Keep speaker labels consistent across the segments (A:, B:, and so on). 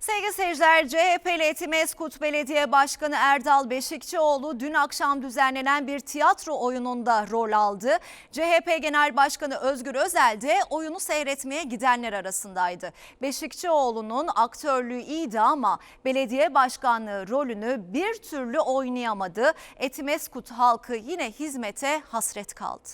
A: Sevgili seyirciler, CHP'li Etimesgut Belediye Başkanı Erdal Beşikçioğlu dün akşam düzenlenen bir tiyatro oyununda rol aldı. CHP Genel Başkanı Özgür Özel de oyunu seyretmeye gidenler arasındaydı. Beşikçioğlu'nun aktörlüğü iyiydi ama belediye başkanlığı rolünü bir türlü oynayamadı. Etimesgut halkı yine hizmete hasret kaldı.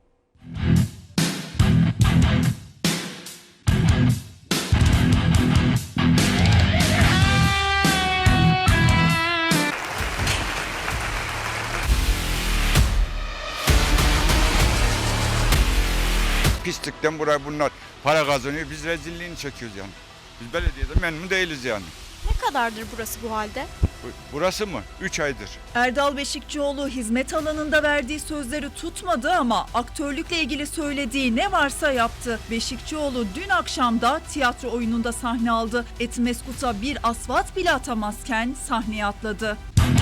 B: Pislikten buraya bunlar para kazanıyor. Biz rezilliğini çekiyoruz yani. Biz belediyede memnun değiliz yani.
C: Ne kadardır burası bu halde?
B: Burası mı? 3 aydır.
D: Erdal Beşikçioğlu hizmet alanında verdiği sözleri tutmadı ama aktörlükle ilgili söylediği ne varsa yaptı. Beşikçioğlu dün akşam da tiyatro oyununda sahne aldı. Etimeskut'a bir asfalt bile atamazken sahneye atladı.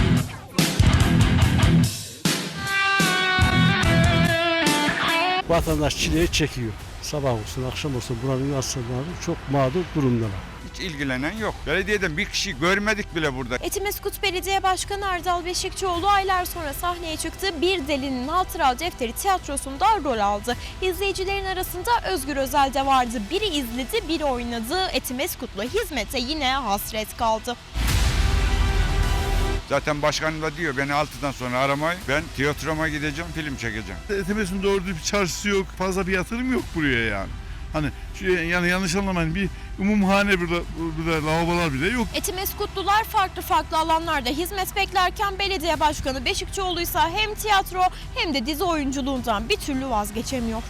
E: Vatandaş çileyi çekiyor. Sabah olsun, akşam olsun buranın insanları çok mağdur durumdalar.
B: Hiç ilgilenen yok. Belediyeden bir kişi görmedik bile burada.
C: Etimesgut Belediye Başkanı Erdal Beşikçioğlu aylar sonra sahneye çıktı. Bir Delinin Hatıra Defteri tiyatrosunda rol aldı. İzleyicilerin arasında Özgür Özel de vardı. Biri izledi, biri oynadı. Etimeskut'la hizmete yine hasret kaldı.
B: Zaten başkanım da diyor beni 6'dan sonra aramayın. Ben tiyatroma gideceğim, film çekeceğim.
F: Etimesgut'un doğru bir çarşısı yok. Fazla bir yatırım yok buraya yani. Hani yani yanlış anlamayın, bir umumhane burada lavabolar bile yok.
C: Etimeskutlular farklı alanlarda hizmet beklerken belediye başkanı Beşikçioğlu ise hem tiyatro hem de dizi oyunculuğundan bir türlü vazgeçemiyor.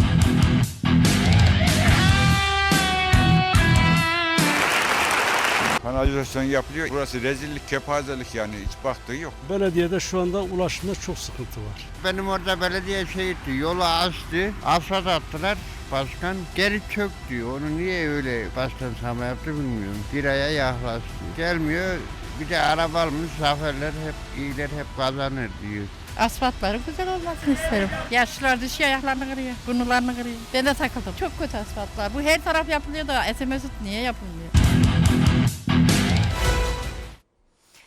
B: Kanalizasyon yapılıyor. Burası rezillik, kepazelik yani. Hiç baktığı yok.
E: Belediyede şu anda ulaşımda çok sıkıntı var.
G: Benim orada belediye etti, yolu açtı, asfalt attılar. Başkan geri çök diyor. Onu niye öyle baştan sona yaptı bilmiyorum. Bir aya yaklaştı. Gelmiyor. Bir de araba almış, zaferler hep iyiler hep kazanır diyor.
H: Asfaltları güzel olmasını isterim. Yaşlılar düşüyor, ayaklarını kırıyor, burnularını kırıyor. Ben de takıldım. Çok kötü asfaltlar. Bu her taraf yapılıyor da Etimesgut niye yapılmıyor?